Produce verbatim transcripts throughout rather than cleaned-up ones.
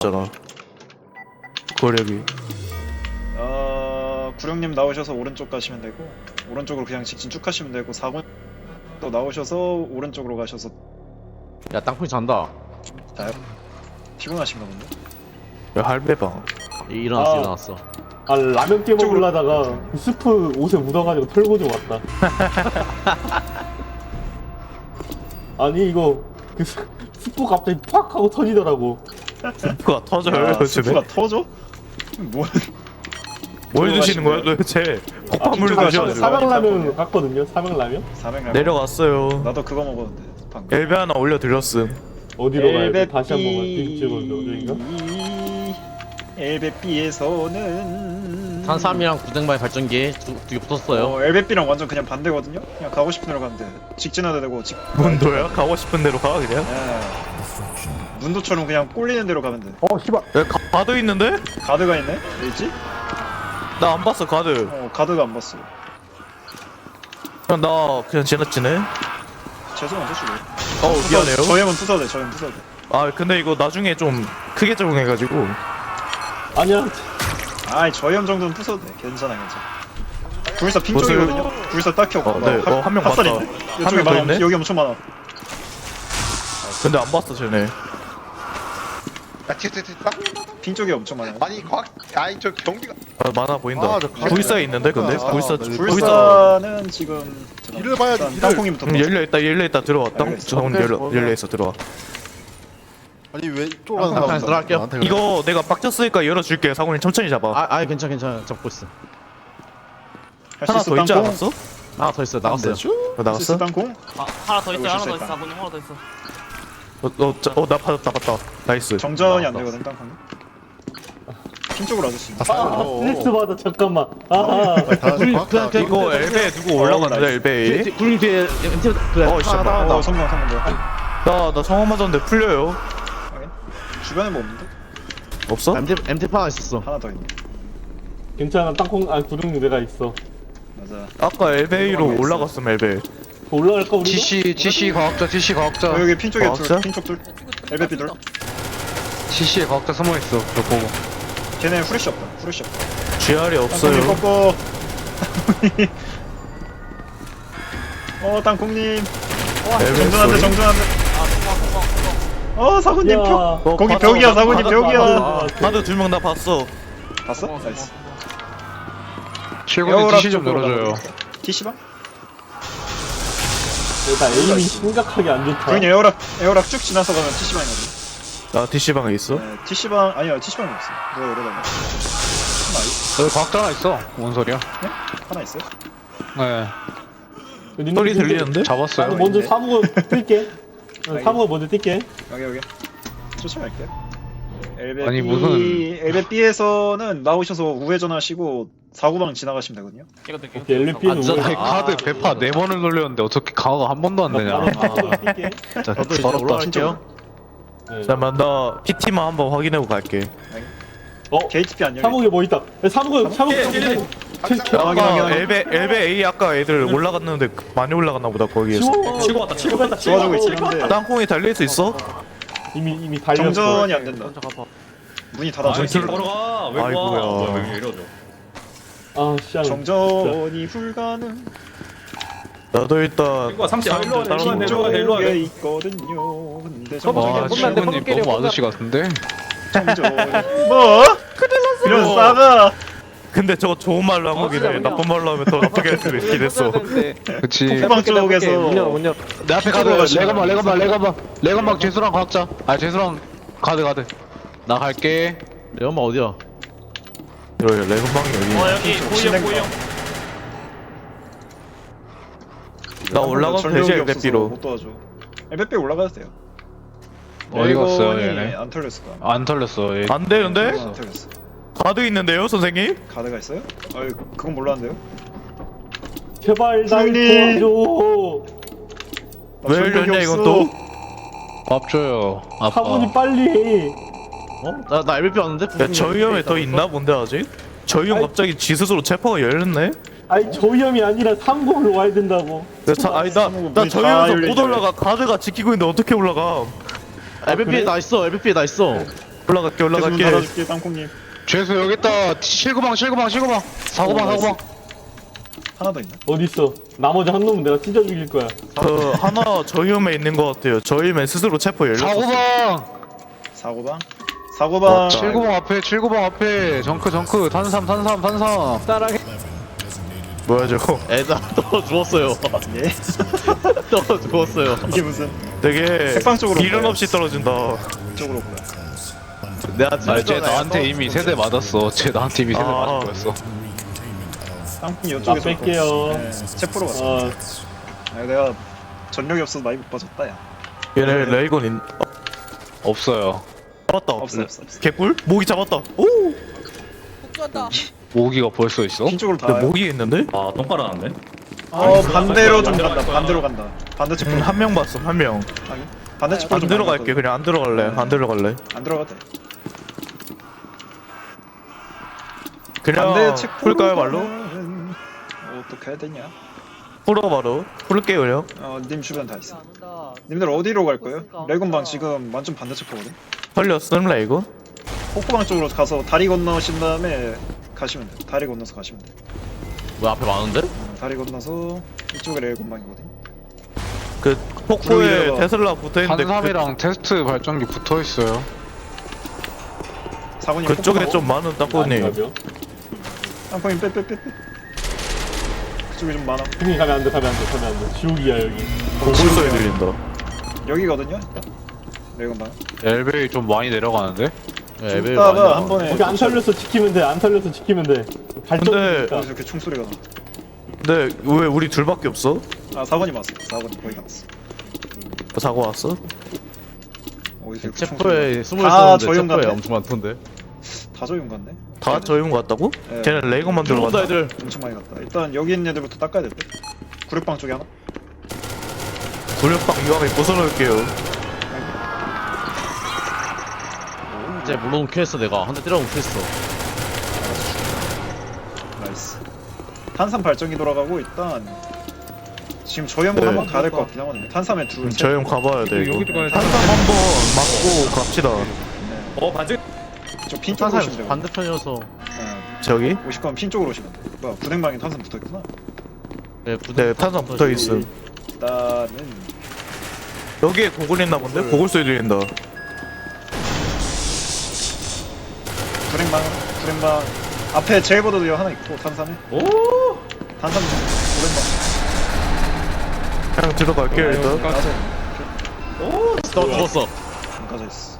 잖아. 거력이. 어... 구령님 나오셔서 오른쪽 가시면 되고 오른쪽으로 그냥 직진 쭉 가시면 되고 사 번 또 나오셔서 오른쪽으로 가셔서 야 땅콩이 잔다. 다요? 피곤하신가 본데? 야 할배방. 일어났어 아. 일어났어. 아 라면 깨 이쪽으로. 먹으려다가 그 스프 옷에 묻어가지고 털고 좀 왔다. 아니 이거 그 스- 스프 갑자기 팍 하고 터지더라고. 스프가 터져요 아, 요즘에. 스프가 터져? 뭐... 뭘 드시는 거야 도대체? 폭발물 아, 드셔. 사- 삼양라면 갔거든요. 삼양라면 삼행라면? 내려갔어요. 나도 그거 먹었는데 방금 엘베 하나 올려드렸음. 어디로 가야 돼? 다시 한번 갈 빈집으로 여기인가? 엘베비에서는 탄삼이랑 구댕발 발전기 두 개 붙었어요. 어, 엘베비랑 완전 그냥 반대거든요? 그냥 가고 싶은 대로 가면 돼. 직진해도 되고 직... 문도야? 가고 싶은 대로 가 그냥. 예. 문도처럼 그냥 꼴리는 대로 가면 돼. 어 씨발. 야 가, 가드 있는데? 가드가 있네? 왜 있지? 나 안 봤어 가드. 어 가드가 안 봤어. 그냥 나 그냥 지나치네. 죄송한데 지금. 어 미안해요. 저염은 부숴도 돼. 저염 부숴도 돼. 아 근데 이거 나중에 좀 크게 적응해가지고. 아니야. 아이 저염 정도는 부숴도 돼. 괜찮아 괜찮아. 불사 핑 보세요. 쪽이거든요? 불사 딱히 없고 어, 네. 어, 한명 핫살 봤다. 있네? 한 이쪽에 명더 많아. 있네? 여기 엄청 많아. 근데 안 봤어 쟤네. 야, 티티 티 딱? 핑 쪽에 엄청 많아요. 아니, 과학, 아니, 저 경비가. 아, 많아 보인다. 아, 저 가드. 불사에 있는데 근데 아, 불사 네. 불사. 불사는 지금 일을 봐야지, 일단 일을. 땅콩이부터 음, 열려 있다 열려 있다 들어와. 땅 알겠어. 저건 열려 열려 있어 들어와. 아니, 왜 이쪽으로 아, 가는 사람 잠깐 들어갈게요. 나한테 그래. 이거 내가 빡쳤으니까 열어줄게. 사고님 천천히 잡아. 아, 아 괜찮아 괜찮아 잡고 있어. 하나 더 있지 않았어? 하나 더 있어요. 나갔어요. 어, 나갔어? 땅콩? 아 하나 더 있어 여기 하나 더 실수했다. 있어 사부님 하나 더 있어 어나 받았다 받았다. 나이스. 정전이 안 나왔다. 되거든 땅콩. 핑 쪽으로 와줬어. 아 스트레스 받아 잠깐만. 아. 다 불- 과학 그냥- 그냥- 이거 엘베 누구 올라갔는데 엘베. 굴림 뒤에 엠티 그래. 어, 씨, 하나 나- 하나 어 성공 성공 뭐야? 나나 성화 맞았는데 풀려요. 주변에 뭐 없는데? 없어? 엠티 엠티 하나 있었어. 하나 더 있네. 괜찮아 땅콩 아 구름 내가 있어. 맞아. 아까 엘베이로 올라갔음 엘베. 올라갈까 우리? 지시 지시 과학자 지시 과학자 어, 여기 핑 쪽에 아, 둘, 진짜? 핑 쪽 둘. 엘베피 둘. 지시에 과학자 숨어있어 저 보고 걔네 후레쉬 없다. 후레쉬 없다. 지알이 땅콩님 없어요. 꺾어. 어 땅콩님. 엘베 정전한데 소리. 정전한데. 어 사부님 야. 표. 어, 거기 봤어. 벽이야 사부님 봤어, 벽이야. 봤어. 하드 두 명 나 봤어. 봤어? 나이스. 최근에 지시 좀 열어줘요 티시방? 나 에임이 심각하게 안 좋다. 그냥 에어락 에어락 쭉 지나서 가면 티시방이거든. 나 디씨방에 있어. 네, 티시방 아니야 티시방이 없어. 누가 열어달라. 하나 있 여기 과학자 하나 있어 뭔 소리야 하나 있어요? 네 니네 소리 근데 들리는데? 나도 잡았어요 먼저 있네. 사무고 뛸게. 어, 알겠어. 사무고 먼저 뛸게. 여기 여기 쫓아갈게. 엘베 아니, B, 무슨- 엘베 B에서는 나오셔서 우회전하시고 사구방 지나가시면 되거든요. 이거 될게요 오케이 엘리피는 아, 진짜? 오래. 아니, 카드 배파 네 번을 돌렸는데 어떻게 강화가 한 번도 안 되냐 바로 뛸게. 진짜 저도 이제 더럽다 올라갈게요. 네. 잠깐만 나 피티만 한번 확인하고 갈게. 어 게이트피 안 열려. 사무에 뭐 있다. 야, 사무고 사무고. 예, 확인, 아까 확인, 확인. 엘베 엘베 A 아까 애들 올라갔는데 많이 올라갔나 보다 거기에서. 치고 왔다. 치고 갔다. 도와주고 있긴 한데 땅콩이 달릴 수 있어? 이미 이미 달렸어. 정전이 안 된다. 먼저 가봐 문이 닫아져 있어. 걸어가 왜 아이고야. 와? 뭐야 왜 이러죠? 아 씨야. 정전이 불가능. 나도 일단 이거 삼십 일로 와, 일로 와, 따로 일로 와, 일로 와. 쪽에 있거든요. 근데 와 정전이 시구님 너무 아저씨 같은데 정전 뭐? 이런 싸가. 근데 저거 좋은 말로 한 거긴 해. 나쁜 말로 하면 더 나쁘게 할 수도 있긴 했어. 그치 후방 쪽에서 내 앞에 가드 레건방 레건방 레건방 레건방 재수랑 과학자 아 재수랑 가드 가드 나 갈게 내 엄마 어디야? 이러 레건방이 어 여기. 여기 고이형 진행 고이형 나 올라가면 되지 엘베비로. 못 도와줘. 엘베비 올라가도 돼요. 어디 갔어요 레이건이 얘네 안 털렸을 거야. 안 털렸어 얘. 안 되는데? 안 털렸어. 가드 있는데요 선생님? 가드가 있어요? 아유 그건 몰랐는데요. 제발 날 형님. 도와줘. 왜 열렸냐 이건 또? 밥 줘요 아빠 사무님 빨리. 어? 나 나 엘비피 왔는데? 야 저희 형에 더 있나 본데 아직? 저희 형 아이. 갑자기 지 스스로 체포가 열렸네? 아니 저위험이 아니라 삼공으로 와야 된다고. 나 자, 아니 나나 문이 저희 다 형에서 못 열리네. 올라가. 가드가 지키고 있는데 어떻게 올라가? 엘비피에 나 있어. 엘비피에 나 있어. 올라갈게 계속 문 올라갈게. 닫아줄게 땅콩님. 죄수 여기 있다. 칠구방 칠구방 칠구방. 사구방 오, 사구방. 하나 더 있나? 어딨어? 나머지 한 놈은 내가 찢어 죽일 거야. 그 하나 저희홈에 있는 것 같아요. 저희맨 스스로 체포 열렸어. 사구방. 사고방. 사고방. 칠구방 앞에 칠구방 앞에. 정크 정크. 탄삼 탄삼 탄삼. 뭐야 저거? 애들 또 죽었어요. 예? 또 죽었어요. 이게 무슨 되게 책방 쪽으로 미련 보여. 없이 떨어진다. 쪽으로 보여. 내가 아니 쟤 나한테 이미 세대 맞았어. 쟤 나한테 이미 세대 아. 맞은 거였어. 땅콩이 나 이쪽에서 뺄게요. 네, 체포로 갔어. 어, 아, 내가 전력이 없어서 많이 못 빠졌다 야. 얘네 레이건 있. 없어요. 잡았다. 없어 없어 없어. 개꿀? 모기 잡았다. 오. 복수한다. 모기가 벌써 있어? 핀 쪽으로 다. 근데 모기 있는데? 아 똥 깔아놨네. 어 반대로 좀 반대로 간다. 갈까? 반대로 간다. 반대 체포. 음, 한 명 봤어 한 명. 아니, 반대 체포 안 좀 들어갈게 많이 그냥 안 들어갈래. 안 들어갈래. 갔거든. 안 들어갔대. 그냥 반대 체포. 풀까요 말로? 어떻게 해야 되냐? 풀어 바로. 풀게요 그냥. 어님 주변 다 있어. 안 온다. 님들 어디로 갈 거예요? 레곤방 지금 완전 반대 체포거든. 털렸음 레이건. 폭포방 쪽으로 가서 다리 건너신 다음에 가시면 돼. 다리 건너서 가시면 돼. 왜 앞에 많은데? 어, 다리 건너서 이쪽에 레곤방이거든. 그 폭포에 구름이라가- 테슬라 붙어 있는데 탄삼이랑 테스트 발전기 붙어 있어요. 사군이 그, 그쪽에 폭포방. 좀 많은 땅콩님. 아니라며? 땅콩이 빼빼빼빼. 그쪽에 좀 많아. 형님 가면 안 돼, 가면 안 돼, 가면 안 돼. 지옥이야 여기. 고글 소리 들린다. 여기거든요. 일단. 레곤방. 엘베이 좀 많이 내려가는데? 네, 애들 많이 이따가 나와. 한 번에. 거기 안 털려서 지키면 돼, 안 털려서 지키면 돼. 근데- 발전기니까. 여기서 이렇게 총소리가 나. 근데 왜 우리 둘밖에 없어? 아 사군이 왔어. 사군이 거의 다 왔어. 사고 왔어? 어디서 이렇게 총소리가 체포에 숨어 다 있었는데 조용 체포에 같네. 엄청 많던데. 나. 다 조용 같네. 다 저희온 것 같다고? 네. 걔는 레이건만 들어간다. 들어간다 애들. 엄청 많이 갔다. 일단 여기 있는 애들부터 닦아야 될 듯. 구력방 쪽에 하나. 굴력방 이왕에 부숴놓을게요. 이제 물론 퀘했어 내가 한 대 때려 퀘했어. 나이스. 탄산 발전기 돌아가고 일단 지금 저희 한번 네. 한번 가야 될 것 같긴 하거든요. 탄삼에 둘, 셋. 저희 형 가봐야 돼 이거. 여기도 가야 돼. 한상 한번 맞고 갑시다. 네. 어 반지. 저핀 쪽으로 오시면 돼요. 반대편이어서. 네. 저기? 오실 거면 핀 쪽으로 오시면 돼. 뭐야, 구댕방에 탄산 붙어 있구나. 네, 네 탄상 붙어 있음. 일단은 여기에 고글 있나 본데? 고글 소리 들린다. 구댕방, 구댕방 앞에 제일보드도 하나 있고 탄산에. 오. 탄산 구댕방. 그냥 들어갈게요 일단. 가서 너 죽었어. 안 가져 있어.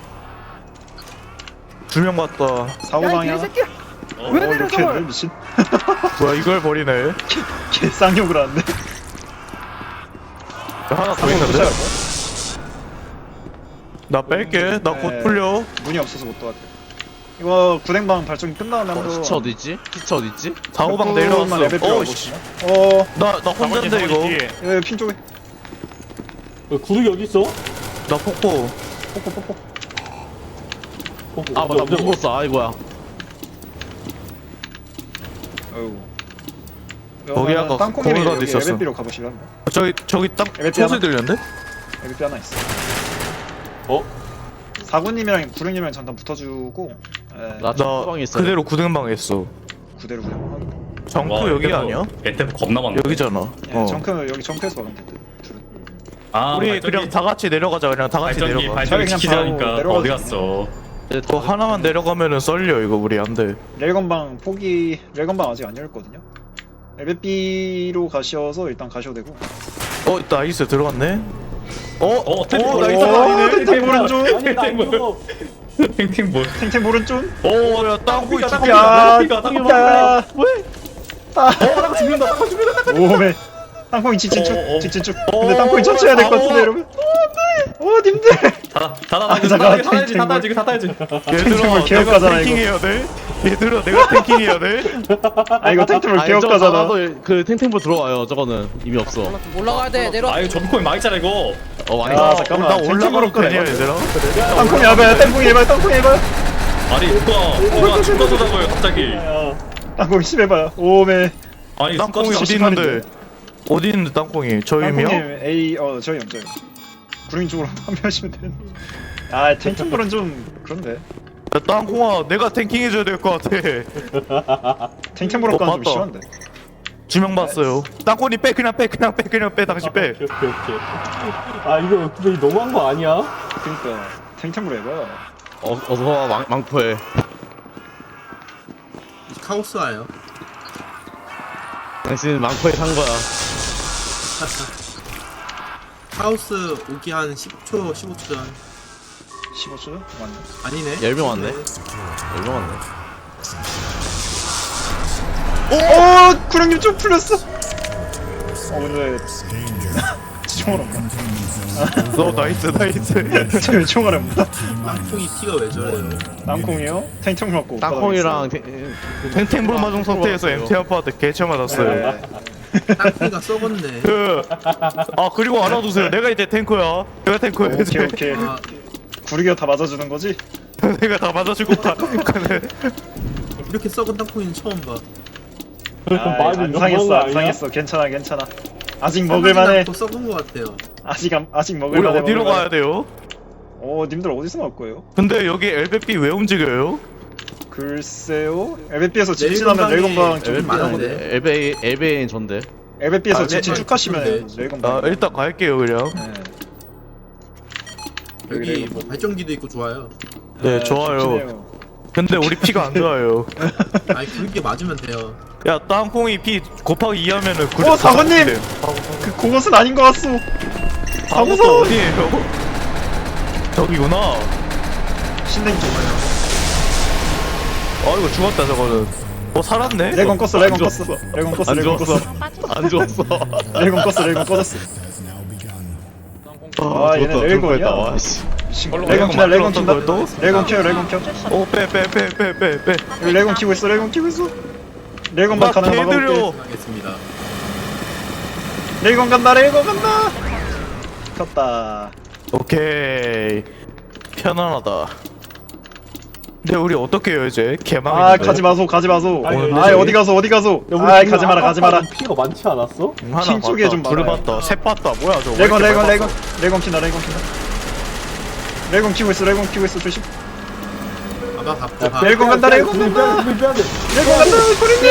두 명 봤다. 사고 방이 하나. 개새끼야. 어, 왜 내려, 이렇게 저걸? 했네, 미친. 뭐야 이걸 버리네. 개 쌍욕을 하는데. 하나 더 사고 있는데? 도착할 나 뺄게. 나 곧 네. 풀려. 문이 없어서 못 도와줘. 이거 구댕방 발전기 끝나면 어, 한번. 시체 어디 있지? 시체 어디 있지? 사고방 조금만 내려왔어. 레벨 어, 필요하거든요. 씨. 어, 나, 나 혼잔데 이거. 예, 핀 쪽에. 어, 구르기 어디 있어? 나 폭포. 뽀뽀뽀뽀. 어, 아 맞다 어디, 어디? 죽었어. 아이고야. 어우. 거기 아까 땅콩님이 거기가 여기 있었어. 에베비로 가보시려 합니다. 저기 저기 딱 에베피 소리 하나? 들렸는데? 에베비 하나 있어. 어? 사군님이랑 구릉님이랑 잠깐 붙어주고. 예, 나 나 책방에 있어. 그대로 구등방 했어. 구대로 구댕방. 정크 와, 여기 여기서 아니야? 에테프 겁나 많네. 여기잖아. 예, 어. 정크 여기 정크에서 막으면 될 듯. 둘은. 아 우리 발전기, 그냥 다 같이 내려가자. 그냥 다 같이 발전기 내려가. 발전기 그냥 지키자니까 바로 어디 내려가죠. 갔어? 그거 하나만 내려가면은 썰려 이거 우리 안 돼. 레일건방 포기 레일건방 아직 안 열었거든요. 에베비로 가셔서 일단 가셔도 되고. 어, 나이스 들어갔네. 어, 어, 어, 탱탱 나이스 오, 아니네. 탱탱 오른쪽. 아니 나 이거 탱탱 뭐? 탱탱 오른쪽. 오, 야 땅콩이 땅콩이다, 죽 야, 땅콩이다, 땅콩이다. 야. 왜? 어, 죽는다, 땅콩 죽는다. 오메. 땅콩이 직진 쭉, 어, 어, 어. 직진 쭉. 근데 땅콩이 천천히 해야 될 것 같은데 여러분. 오, 님들. 닫아, 닫아, 아, 닫아, 잠깐만, 닫아야지, 탱탱 닫아야지, 이거 닫아야지. 얘들아, 개혁 내가 가잖아, 이거. 탱킹해야 돼. 얘들아, 내가 탱킹해야 돼. 아 이거 탱탱볼 아니, 개혁 저거 가잖아. 나가도 그 탱탱볼 들어와요. 저거는 이미 없어. 올라가야 돼. 내려와. 아유, 점코인 망했잖아 이거. 어 많이 야, 나. 잠깐만. 나 탱탱볼 올라가면 거네. 되냐 얘들아? 땅콩이 해봐요. 땅콩이 해봐요. 땅콩이 해봐요. 아니 누가 누가 죽어서자고요 갑자기. 야, 땅콩이 심해봐요. 오메. 아니 땅콩이 누가 어디 있는데? 어디 있는데 땅콩이? 저임이요? 땅콩님 A 어 저희 형 저희. 구릉 쪽으로 판매하시면 되는. 아 탱탱볼은 좀 그런데. 야, 땅콩아, 내가 탱킹 해줘야 될 것 같아. 탱탱볼 어, 가는 좀 맞다. 심한데. 주명 봤어요. 땅콩이 빼, 그냥 빼, 그냥 빼, 그냥 빼, 당신 빼. 오케이 오케이 오케이. 아 이거 근데 너무한 거 아니야? 그러니까 탱탱볼 해봐. 어, 어서 와 망, 망포해. 카오스 와요. 당신 망포에 산 거야. 카오스 오기 한 십 초, 십오 초 전. 십오 초? 맞네. 아니네. 열 명 왔네. 얼마 왔네. 오! 구령님 좀 풀렸어! 어 근데 총알 없나? 너 나이스, 나이스. 저 총알 없나? 땅콩이 피가 왜 저래요? 땅콩이요? 탱탱볼 맞고 땅콩이랑 탱탱볼 맞은 상태에서 엠티 아빠한테 개쳐 맞았어요. 땅콩이가 썩었네. 그, 아, 그리고 알아두세요. 내가 이제 탱커야. 내가 탱커야, 이제. 오케이 오케이 아, 구르기가 다 맞아주는 거지? 내가 다 맞아주고 다. 이렇게 썩은 땅콩이는 처음 봐. 아, 많이 안 너무한 상했어 거 안 아니야? 상했어 괜찮아 괜찮아 아직 먹을만해 또 썩은 것 같아요. 아직 안- 아직 우리 먹을만해 어디로 먹을만해. 가야 돼요? 어 님들 어디서 나올 거예요? 근데 여기 엘베피 왜 움직여요? 글쎄요 엘베피에서 직진하면 레이건방 좀 엘베피 많은데 많은데. 엘베이 엘베인 전데. 엘베피에서 아, 직진 네. 쭉 하시면 네. 레이건방 아, 일단 갈게요, 그냥. 네. 여기 뭐 발전기도 있고 좋아요. 네, 좋아요. 근데 우리 피가 안 좋아요. 아니 그렇게 맞으면 돼요. 야, 땅콩이 피 곱하기 이 하면은 구. 어, 사관님! 그 그것은 아닌 것 같소 사고서 사고서 어디에요? 저기구나. 신냉 좋아요 아, 이거 죽었다, 저거는. 어, 살았네? 레이건 껐어 레이건 안 껐어 레이건 껐어 안 레이건 죽었어. 껐어 안 좋았어. 레이건 껐어 레이건 꺼졌어 아, 아, 얘네 레이건이야. 와, 씨. 레이건 키다 레이건 킨다 또? 레이건 켜요 레이건 켜 오, 빼, 빼, 빼, 빼, 빼, 빼. 여기 레이건 키고 있어 레이건 키고 있어 레이건방 막 가는 거 막아볼게 개들여. 하겠습니다. 레이건 간다 레이건 간다 켰다 오케이. 편안하다. 근데 우리 어떻게 해요, 이제? 개망. 아 가지 마소 가지 마소 아니, 아 어디 가서 어디 가서 야, 우리 아 지금 가지 마라 가지 마라 아까 피가 많지 않았어? 하나 킹 쪽에 봤다, 좀 둘 많아요. 봤다, 셋 봤다. 뭐야, 저거. 왜 레이건 이렇게 레이건 많이 레이건 봤어? 레이건 킨다 레이건 킨다 레이건 키고 있어 레이건 키고 있어 조심 아마 갖고 가. 레이건 간다 레이건 우리 간다 빼야 돼, 우리 빼야 돼. 레이건 간다 소리님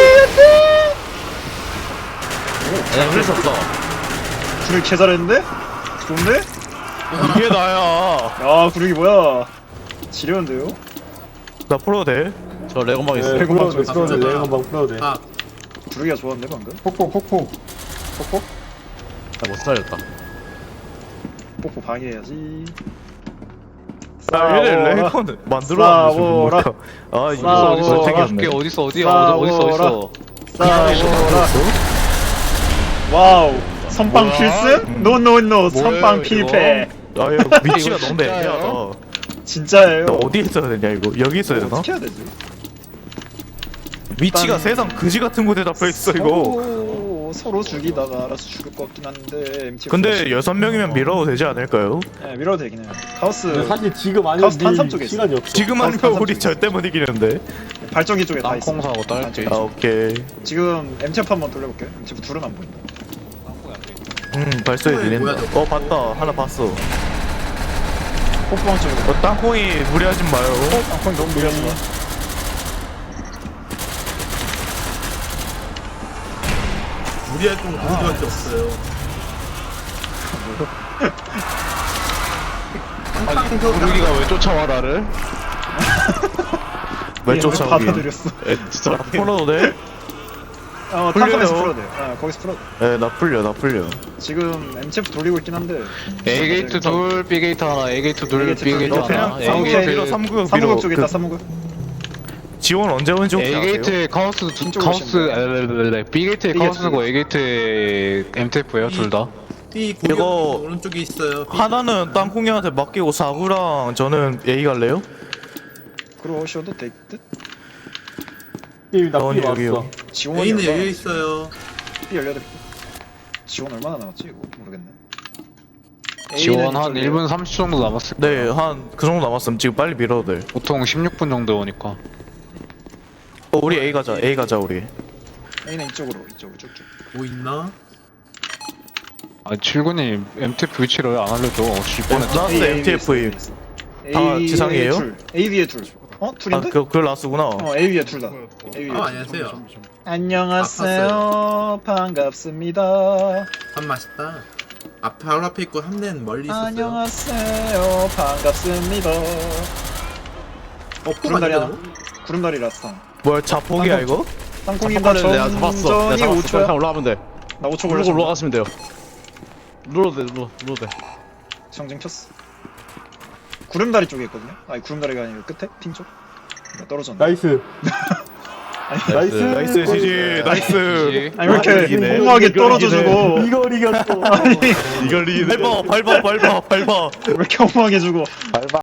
야, 그랬었어. 구르기 개 잘했는데? 좋은데? 이게 나야. 야 구르기 뭐야 지려운데요? 나 풀어도 돼? 저 레고막 있어. 네, 레이건 풀어도 돼, 방 풀어도 돼, 좀 레이건 방 풀어도 돼. 아, 구르기가 좋았네 방금 폭폭, 폭폭. 폭폭? 못 살렸다. 뽀뽀 방해해야지 아, 얘네 싸워라. 레이건 만들어놨네, 싸워라. 저거. 아, 이거 싸워라. 어디서 어디 생겼네. 줄게 어딨어 어디야 싸워라. 어디 어딨어 어딨어 싸워라 와우 선빵 필승? 노노노 선빵 이거? 필패 아, 이거 위치가 이거 너무 진짜예요? 애매하다. 진짜예요 나 어디에 있어야 되냐, 이거? 여기 있어야 되나? 어떻게 해야 되지? 위치가 일단- 세상 그지 같은 곳에 잡혀있어, 이거. 서로, 서로 죽이다가 알아서 죽을 것 같긴 한데 엠티 근데 여섯 명이면 밀어도 되지 않을까요? 네 밀어도 되긴 해요 카오스 근데 사실 지금 아니면 카우스 탄삼 밀 쪽에 있어. 시간이 없어. 지금 아니면 삼, 삼, 우리 삼. 절대 못 이기는데. 발전기 쪽에 다 있어 땅콩 사고 딸게 아, 오케이. 지금 엠티에프 한번 돌려볼게요 엠티에프 둘은 안 보인다 음, 발소리 뭐야, 들린다. 저거? 어, 봤다. 하나 봤어. 뽀뽀방 쪽으로 어, 땅콩이 무리하지 마요. 땅콩이 너무 무리하지 마 우리 활동 그렇게밖에 없어요. 아니 구르기가 왜 쫓아와 나를 왜 얘 쫓아오기? 받아들였어 진짜. 풀어도 돼? 어 풀려요. 탄삼에서 풀어도 돼 어, 거기서 풀어도 돼 네, 나 풀려, 나 풀려. 지금 엠티에프 돌리고 있긴 한데 A 게이트 둘 B 게이트 하나 A 게이트 둘 A 게이트 B 게이트 둘. 그냥 하나 삼구역 A 밀어, 게이트 삼구역 밀어. 삼구역 쪽에 그 있다 삼구역 지원 언제 오는지 혹시 A 아세요? 게이트에 카오스 두- 왼쪽으로 카오스 오시면 엘렐렐렐 B 게이트에 B 카오스고 게이트. A 게이트에 엠티에프예요 둘 다. B 고기 이거 오른쪽에 있어요. B 하나는 땅콩이한테 맡기고 사구랑 저는 A 갈래요? 그러셔도 될듯 게임 나쁘게 여기, 여기요. 왔어. 지원이 A는 얼마나 열려 남았지? 있어요. B 열려야 지원 얼마나 남았지 이거 모르겠네 지원 A는 한 이쪽에 일 분 삼십 초 정도 남았을 거야. 네, 한 그 정도 남았으면 지금 빨리 밀어도 돼. 보통 십육 분 정도 오니까. 어, 우리 A 가자, A 가자, 우리. A는 이쪽으로 이쪽으로 쭉쭉 뭐 있나? 아 칠군이 엠티에프 위치를 안 알려줘. 질 뻔했다. 나스 A, A, 엠티에프 A 임. 있어. 다 지상이에요? 둘. A 위에 둘. 어? 둘인데? 아그 그걸 라스구나. 어 A 위에 둘 다. A 위에 어 둘. 안녕하세요. 안녕하세요. 반갑습니다. 밥 맛있다. 앞 바로 앞에 있고 한 대는 멀리 있었어요. 안녕하세요. 반갑습니다. 어 구름다리 하나. 포가 구름다리 라스트. 뭐야 자폭이야 이거? 땅콩님과 잠깐만 내가 잡았어. 내가 전전이 잡았어. 오 초야. 그냥 올라가면 돼. 나 오 초 누르고 걸렸어. 올라가시면 돼요. 눌러도 돼, 눌러, 눌러도 돼. 정징 켰어. 구름다리 쪽에 있거든요. 아니 구름다리가 아니고 끝에 핑 쪽. 나 떨어졌네. 나이스. 나이스. 나이스 지지 나이스. 아니 왜 이렇게 이기네. 공허하게 떨어져주고 이걸 이겼어. 이걸 이기네. 밟아 밟아 밟아 밟아. 왜 이렇게 허무하게 주고.